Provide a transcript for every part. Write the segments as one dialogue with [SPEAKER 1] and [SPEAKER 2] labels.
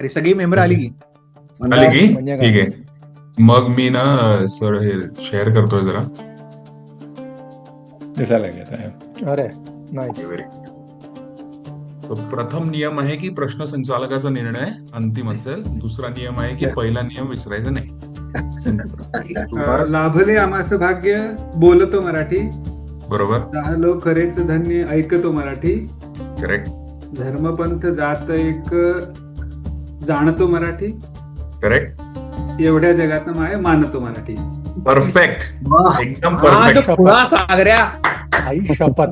[SPEAKER 1] अरे सगळी मेंबर आली की
[SPEAKER 2] आली की
[SPEAKER 3] म्हणजे
[SPEAKER 2] ठीक आहे. मग मी ना सर हे शेअर करतोय जरा.
[SPEAKER 4] दिसायला लागेल.
[SPEAKER 3] अरे नाही
[SPEAKER 2] व्हेरी तो प्रथम नियम आहे की प्रश्न संचालकाचा निर्णय अंतिम असेल. दुसरा नियम आहे की पहिला नियम विसरायचा नाही.
[SPEAKER 5] लाभले आम्हास भाग्य बोलतो मराठी,
[SPEAKER 2] बरोबर,
[SPEAKER 5] झालो खरेच धन्य ऐकतो मराठी,
[SPEAKER 2] करेक्ट
[SPEAKER 5] धर्मपंथ जात एक जाणतो मराठी,
[SPEAKER 2] करेक्ट
[SPEAKER 5] एवढ्या जगात माय मानतो मराठी.
[SPEAKER 2] परफेक्ट एकदम परफेक्ट.
[SPEAKER 1] पुन्हा सागऱ्या
[SPEAKER 3] आई शपथ.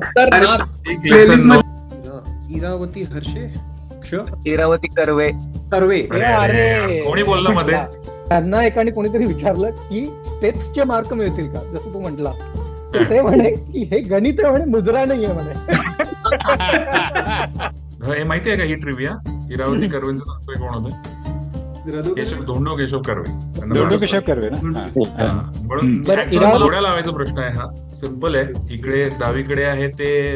[SPEAKER 1] इरावती हर्षे
[SPEAKER 6] इरावती कर्वे.
[SPEAKER 1] सर्वे
[SPEAKER 3] अरे
[SPEAKER 2] कोणी बोललं मध्ये?
[SPEAKER 3] त्यांना एकाने कोणीतरी विचारलं की स्टेप्सचे मार्क मिळतील का, जसं तू म्हटला. ते म्हणे की हे गणित आहे म्हणे, मुजरा नाहीये म्हणे.
[SPEAKER 2] हे माहिती आहे का ही ट्रिव्हिया? इरावती कर्वेंचं सासरे कोण होते? धोंडो केशव कर्वे.
[SPEAKER 4] दोडो केशव कर्वे ना.
[SPEAKER 2] म्हणून
[SPEAKER 3] बरं,
[SPEAKER 2] actually मला जोड्या लावायचा प्रश्न आहे हा. सिंपल आहे. इकडे डावीकडे आहे ते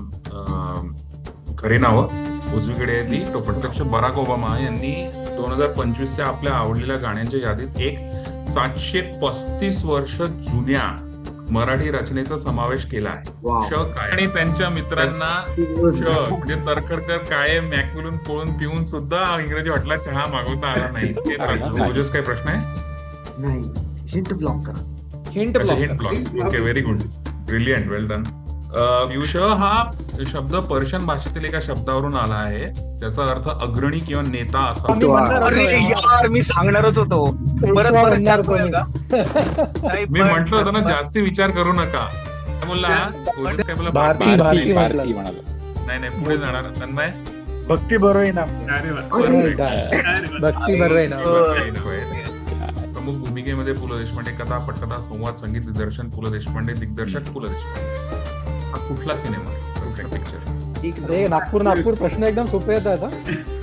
[SPEAKER 2] खरी नावं, उजवीकडे आहे ती तो प्रत्यक्ष बराक ओबामा यांनी 2025च्या आपल्या आवडलेल्या गाण्यांच्या यादीत एक 735 वर्ष जुन्या मराठी रचनेचा समावेश केला आहे. श काय आणि त्यांच्या मित्रांना म्हणजे तरखडकर काळे मॅक्युलून पोळून पिऊन सुद्धा इंग्रजी हॉटेलात चहा मागवता आला नाही. ओजस काय प्रश्न आहे?
[SPEAKER 7] नाही, हिंट ब्लॉक करा.
[SPEAKER 1] Hint
[SPEAKER 2] hint block. Okay, very good, brilliant, well done. श हा शब्द पर्शियन भाषेतील एका शब्दावरून आला आहे. त्याचा अर्थ अग्रणी किंवा नेता असा.
[SPEAKER 3] मी म्हणणार
[SPEAKER 6] अरे
[SPEAKER 3] होतो.
[SPEAKER 6] यार, मी सांगणारच होतो. परत
[SPEAKER 3] म्हणणार
[SPEAKER 6] chance
[SPEAKER 3] कोणी.
[SPEAKER 6] मिळेल का? नाही,
[SPEAKER 2] मी
[SPEAKER 6] पण-
[SPEAKER 2] म्हंटल होतं ना जास्ती विचार करू नका. काय बोलला? ओजस काय बोलला?
[SPEAKER 3] भारती
[SPEAKER 2] भारती.
[SPEAKER 3] भारती
[SPEAKER 4] भारती
[SPEAKER 3] म्हटलं.
[SPEAKER 4] म्हणाला.
[SPEAKER 2] नाही पुढे जाणार. तन्मय
[SPEAKER 4] भक्ती बरोबर ना.
[SPEAKER 3] भक्ती बरोबर आहे ना.
[SPEAKER 2] प्रमुख भूमिकेमध्ये पु ल देशपांडे, कथा पटकथा संवाद संगीत दिग्दर्शन पु ल देशपांडे, दिग्दर्शक पु ल देशपांडे. हा कुठला सिनेमा? पिक्चर.
[SPEAKER 3] अरे नागपूर प्रश्न एकदम सोपे येतात हा.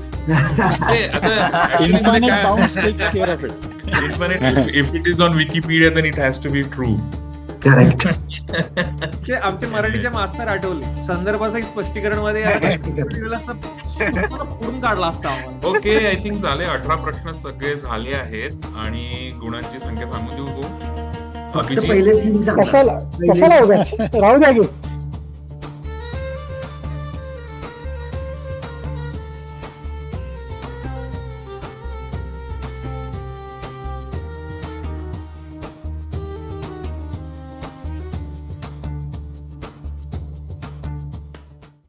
[SPEAKER 4] Infinite bounds takes care of it.
[SPEAKER 2] If it is on Wikipedia, then it has to be true.
[SPEAKER 7] Correct.
[SPEAKER 1] आमचे मराठीचे मास्तर आठवले, संदर्भाचं एक स्पष्टीकरण मध्ये पुढून काढला असता आम्हाला.
[SPEAKER 2] ओके, आय थिंक झाले 18 प्रश्न सगळे झाले आहेत आणि गुणांची संख्या सांगू देऊ.
[SPEAKER 7] फक्त पहिले 3 सांगा.
[SPEAKER 3] कशाला उगाच राहू द्या की.